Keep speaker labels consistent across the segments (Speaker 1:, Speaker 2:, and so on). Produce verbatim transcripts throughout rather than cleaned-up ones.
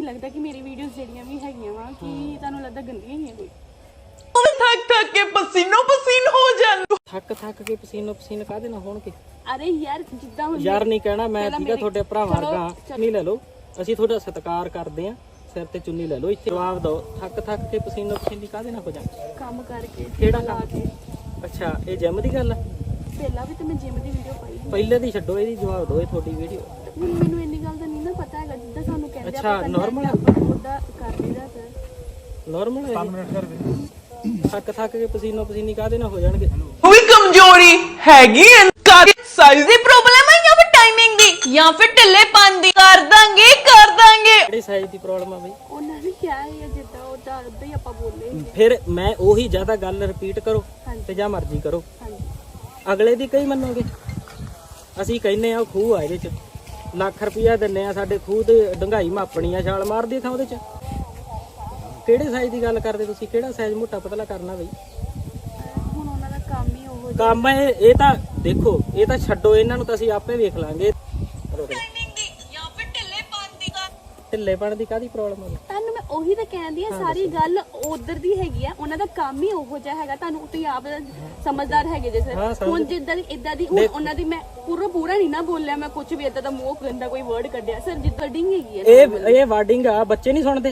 Speaker 1: ਲੱਗਦਾ ਕਿ ਮੇਰੀ ਵੀਡੀਓਜ਼ ਜਿਹੜੀਆਂ ਵੀ ਹੈਗੀਆਂ ਵਾ ਕਿ ਤੁਹਾਨੂੰ ਲੱਗਦਾ ਗੰਦੀਆਂ ਹੀ ਆ ਕੋਈ
Speaker 2: थक थक के पसीनो पसीन हो जान
Speaker 3: ਥੱਕ ਥੱਕ ਕੇ ਪਸੀਨੋ ਪਸੀਨ ਕਾਹਦੇ ਨਾਲ ਹੋਣਗੇ
Speaker 1: ਅਰੇ ਯਾਰ ਜਿੱਦਾਂ ਹੁਣ
Speaker 3: ਯਾਰ ਨਹੀਂ ਕਹਿਣਾ ਮੈਂ
Speaker 1: ਪਹਿਲਾਂ
Speaker 3: ਠੀਕਾ ਤੁਹਾਡੇ ਭਰਾ ਵਰਗਾ ਚੁੰਨੀ ਲੈ ਲਓ ਅਸੀਂ ਤੁਹਾਡਾ ਸਤਿਕਾਰ ਕਰਦੇ ਆ ਸਿਰ ਤੇ ਚੁੰਨੀ ਲੈ ਲਓ ਇੱਥੇ ਜਵਾਬ ਦਿਓ ਥੱਕ ਥੱਕ ਕੇ ਪਸੀਨੋ ਪਸੀਨੀ ਕਾਹਦੇ ਨਾਲ ਹੋ ਜਾ
Speaker 1: ਕੰਮ ਕਰਕੇ
Speaker 3: ਕਿਹੜਾ
Speaker 1: ਲਾ
Speaker 3: ਕੰਮ?
Speaker 1: ਕੇ
Speaker 3: ਅੱਛਾ ਇਹ ਜਿਮ ਦੀ ਗੱਲ ਆ
Speaker 1: ਪਹਿਲਾਂ ਵੀ ਤੇ ਮੈਂ ਜਿਮ ਦੀ ਵੀਡੀਓ ਪਾਈ ਸੀ।
Speaker 3: ਪਹਿਲੇ ਦੀ ਛੱਡੋ ਇਹਦੀ ਜਵਾਬ ਦਿਓ ਇਹ ਤੁਹਾਡੀ ਵੀਡੀਓ
Speaker 1: ਹੁਣ ਮੈਨੂੰ ਇੰਨੀ ਗੱਲ ਦਾ ਨਹੀਂ ਨਾ ਪਤਾ ਹੈਗਾ ਜਿੱਦਾਂ ਸਾਨੂੰ ਕਹਿੰਦੇ
Speaker 3: ਅੱਛਾ, normal ਆ?
Speaker 1: ਆਪਾਂ ਉਹਦਾ ਕਰ ਲਈਦਾ ਸਰ
Speaker 3: ਨਾਰਮਲ ਹੈ ਥੱਕ ਥੱਕ ਕੇ ਪਸੀਨੋ ਪਸੀਨੀ ਕਾਹਦੇ ਨਾਲ ਹੋ ਜਾਣਗੇ
Speaker 2: कोई कमजोरी हैगी इनका साइज दी प्रॉब्लम है या फिर टाइमिंग दी या फिर ढिल्लेपन दी कर दांगे कर दांगे
Speaker 3: ਕਿਹੜੀ ਸਾਈਜ਼ ਦੀ ਪ੍ਰੋਬਲਮ ਆ ਬਈ
Speaker 1: ਉਹਨਾਂ ਨੇ ਕਿਹਾ ਹੈ ਜਿੱਦਾਂ ਉਹਦਾ ਉਦਾਂ ਹੀ ਆਪਾਂ ਬੋਲੇ ਸੀ।
Speaker 3: ਫਿਰ ਮੈਂ ਉਹੀ ਜ਼ਿਆਦਾ ਗੱਲ ਰਿਪੀਟ ਕਰੋ
Speaker 1: ਹਾਂਜੀ।
Speaker 3: ਤੇ ਜਾਂ ਮਰਜ਼ੀ ਕਰੋ
Speaker 1: ਹਾਂਜੀ
Speaker 3: ਅਗਲੇ ਦੀ ਕਈ ਮੰਨੋਗੇ ਅਸੀਂ ਕਹਿੰਨੇ ਆ ਉਹ ਖੂਹ ਆ ਇਹਦੇ ਚ ਲੱਖ ਰੁਪਇਆ ਦਿੰਨੇ ਆ ਸਾਡੇ ਖੂਹ ਤੇ ਡੰਗਾਈ ਮਾਪਣੀ ਆ ਛਾਲ ਮਾਰਦੀ ਥਾਂ ਉਹਦੇ ਚ ਕਿਹੜੇ ਸਾਈਜ਼ ਦੀ ਗੱਲ ਕਰਦੇ ਤੁਸੀਂ ਕਿਹੜਾ ਸਾਈਜ਼ ਮੋਟਾ ਪਤਲਾ ਕਰਨਾ ਬਈ
Speaker 1: ਅਹ ਹੁਣ ਉਹਨਾਂ ਦਾ ਕੰਮ ਹੀ ਉਹ
Speaker 3: ਕੰਮ ਹੈ ਇਹ ਤਾਂ ਦੇਖੋ ਇਹ ਤਾਂ ਛੱਡੋ ਇਹਨਾਂ ਨੂੰ ਤਾਂ ਅਸੀਂ ਆਪੇ ਵੇਖ ਲਾਂਗੇ
Speaker 2: टाइमिंग दी या फिर ढिल्लेपन दी का
Speaker 3: ਢਿੱਲੇਪਣ ਦੀ ਕਾਹਦੀ ਪ੍ਰੋਬਲਮ ਆ
Speaker 1: ਤੁਹਾਨੂੰ ਮੈਂ ਉਹੀ ਤਾਂ ਕਹਿੰਦੀ ਆ ਸਾਰੀ ਗੱਲ ਉਧਰ ਦੀ ਹੈਗੀ ਆ ਉਹਨਾਂ ਦਾ ਕੰਮ ਹੀ ਉਹੋ ਜਿਹਾ ਹੈਗਾ ਤੁਹਾਨੂੰ ਤੁਸੀਂ ਆਪ ਸਮਝਦਾਰ ਹੈਗੇ ਜੇ
Speaker 3: ਹਾਂ,
Speaker 1: ਸਰ
Speaker 3: ਸਮਝ-
Speaker 1: ਹੁਣ ਜਿੱਦਾਂ ਦੀ ਇਦਾਂ ਦੀ ਹੁਣ ਉਹਨਾਂ ਦੀ ਮੈਂ ਪੂਰਾ ਪੂਰਾ ਨਹੀਂ ਨਾ ਬੋਲਿਆ ਮੈਂ ਕੁਝ ਵੀ ਇਦਾਂ ਦਾ ਮੂੰਹ ਗੰਦਾ ਕੋਈ ਵਰਡ ਕੱਢਿਆ ਸਰ ਜਿੱਦਾਂ ਡਿੰਗ ਹੈਗੀ ਆ
Speaker 3: ਇਹ ਇਹ ਵਾਰਡਿੰਗ ਆ ਬੱਚੇ ਨਹੀਂ ਸੁਣਦੇ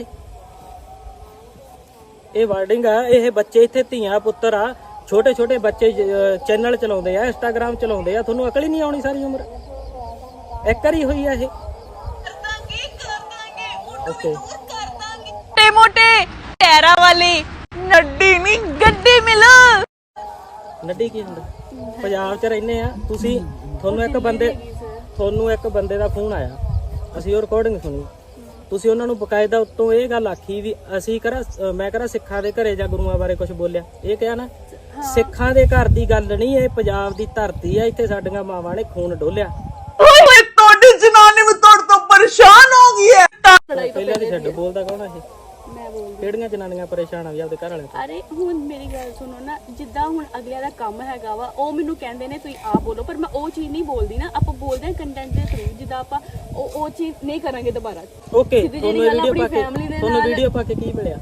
Speaker 3: ਇਹ ਵਾਰਡਿੰਗ ਆ ਇਹ ਬੱਚੇ ਇੱਥੇ ਧੀਆਂ ਪੁੱਤਰ ਆ ਛੋਟੇ ਛੋਟੇ ਬੱਚੇ ਚੈਨਲ ਚਲਾਉਂਦੇ ਆ ਇੰਸਟਾਗ੍ਰਾਮ ਚਲਾਉਂਦੇ ਆ ਤੁਹਾਨੂੰ ਅਕਲ ਹੀ ਨਹੀਂ ਆਉਣੀ ਸਾਰੀ ਉਮਰ ਇੱਕ ਵਾਰੀ ਹੋਈ ਆ ਇਹ
Speaker 2: कर दांगे कर दांगे
Speaker 3: ਓਕੇ
Speaker 2: कर दांगे मोटे मोटे टैरा वाली नड्डी नहीं गड्डी मिल
Speaker 3: ਨੱਡੀ ਕੀ ਹੁੰਦਾ ਪੰਜਾਬ 'ਚ ਰਹਿੰਦੇ ਆ ਤੁਸੀਂ ਤੁਹਾਨੂੰ ਇੱਕ ਬੰਦੇ ਤੁਹਾਨੂੰ ਇੱਕ ਬੰਦੇ ਦਾ ਫੋਨ ਆਇਆ ਅਸੀਂ ਉਹ ਰਿਕਾਰਡਿੰਗ ਸੁਣੀ ਤੁਸੀਂ ਉਹਨਾਂ ਨੂੰ ਬਕਾਇਦਾ ਉੱਤੋਂ ਇਹ ਗੱਲ ਆਖੀ ਵੀ ਅਸੀਂ ਕਰਾ ਮੈਂ ਕਰਾ ਸਿੱਖਾਂ ਦੇ ਘਰੇ ਜਾਂ ਗੁਰੂਆਂ ਬਾਰੇ ਕੁਝ ਬੋਲਿਆ ਇਹ ਕਿਹਾ ਨਾ ਸਿੱਖਾਂ ਦੇ ਘਰ ਦੀ ਗੱਲ ਨਹੀਂ ਇਹ ਪੰਜਾਬ ਦੀ ਧਰਤੀ ਆ ਇੱਥੇ ਸਾਡੀਆਂ ਮਾਵਾਂ ਨੇ ਖੂਨ ਡੋਲਿਆ
Speaker 2: ओए तोड़ी जनानी में तोड़ तो परेशान हो गई है
Speaker 3: ਪਹਿਲਾਂ ਦੀ ਛੱਡ ਬੋਲਦਾ ਕੌਣ ਆ ਇਹ
Speaker 1: ਮੈਂ ਬੋਲ
Speaker 3: ਕਿਹੜੀਆਂ ਜਨਾਨੀਆਂ ਪਰੇਸ਼ਾਨ ਆ ਵੀ ਆਪਦੇ ਘਰ ਵਾਲਿਆਂ ਤੋਂ
Speaker 1: ਅਰੇ ਹੁਣ ਮੇਰੀ ਗੱਲ ਸੁਣੋ ਨਾ ਜਿੱਦਾਂ ਹੁਣ ਅਗਲਿਆਂ ਦਾ ਕੰਮ ਹੈਗਾ ਵਾ ਉਹ ਮੈਨੂੰ ਕਹਿੰਦੇ ਨੇ ਤੁਸੀਂ ਆਪ ਬੋਲੋ ਪਰ ਮੈਂ ਉਹ ਚੀਜ਼ ਨਹੀਂ ਬੋਲਦੀ ਨਾ ਆਪਾਂ ਬੋਲਦੇ ਹਾਂ ਕੰਟੈਂਟ ਦੇ ਥਰੂ ਜਿੱਦਾਂ ਆਪਾਂ ਉਹ ਉਹ ਚੀਜ਼ ਨਹੀਂ ਕਰਾਂਗੇ ਦੁਬਾਰਾ
Speaker 3: ਓਕੇ
Speaker 1: ਸਿੱਧੀ
Speaker 3: ਤੁਹਾਨੂੰ
Speaker 1: ਜਿਹੜੀ ਗੱਲ
Speaker 3: ਵੀਡੀਓ
Speaker 1: ਆਪਣੀ
Speaker 3: ਪਾ ਕੇ
Speaker 1: family ਦੇ
Speaker 3: ਤੁਹਾਨੂੰ
Speaker 1: ਨਾਲ-
Speaker 3: ਵੀਡੀਓ ਪਾ ਕੇ ਕੀ ਮਿਲਿਆ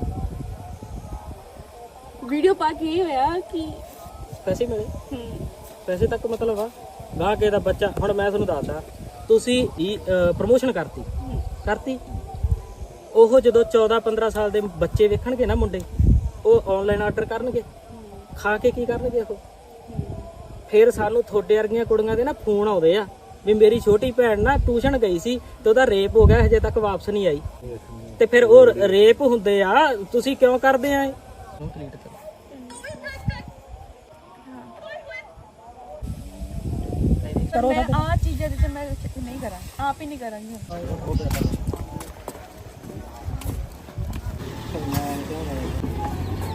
Speaker 1: ਵੀਡੀਓ ਪਾ ਕੇ ਇਹ ਹੋਇਆ ਕਿ
Speaker 3: ਪੈਸੇ ਮਿਲੇ
Speaker 1: ਹਮ,
Speaker 3: ਪੈਸੇ ਤੱਕ ਮਤਲਬ ਆ ਗਾਹ ਕੇ ਦਾ ਬੱਚਾ ਹੁਣ ਮੈਂ ਤੁਹਾਨੂੰ ਦੱਸਦਾ ਤੁਸੀਂ ਪ੍ਰਮੋਸ਼ਨ ਕਰਤੀ ਕਰਤੀ ਉਹ ਜਦੋਂ ਚੌਦਾਂ ਪੰਦਰਾਂ ਸਾਲ ਦੇ ਬੱਚੇ ਵੇਖਣਗੇ ਨਾ ਮੁੰਡੇ ਉਹ ਆਨਲਾਈਨ ਆਰਡਰ ਕਰਨਗੇ ਖਾ ਕੇ ਕੀ ਕਰਨਗੇ ਉਹ ਫਿਰ ਸਾਨੂੰ ਥੋੜੇ ਵਰਗੀਆਂ ਕੁੜੀਆਂ ਦੇ ਨਾ ਫੋਨ ਆਉਂਦੇ ਆ ਵੀ ਮੇਰੀ ਛੋਟੀ ਭੈਣ ਨਾ ਟਿਊਸ਼ਨ ਗਈ ਸੀ ਤੇ ਉਹਦਾ ਰੇਪ ਹੋ ਗਿਆ ਹਜੇ ਤੱਕ ਵਾਪਸ ਨਹੀਂ ਆਈ ਤੇ ਫਿਰ ਉਹ ਰੇਪ ਹੁੰਦੇ ਆ ਤੁਸੀਂ ਕਿਉਂ ਕਰਦੇ ਆ ਇਹ ਕੰਪਲੀਟ ਕਰੋ
Speaker 1: ਪਰ ਮੈਂ ਆ ਚੀਜ਼ਾਂ ਦੇ ਤੇ ਮੈਂ ਨਹੀਂ ਕਰਾਂ ਆਪ ਹੀ ਨਹੀਂ ਕਰਾਂਗੀ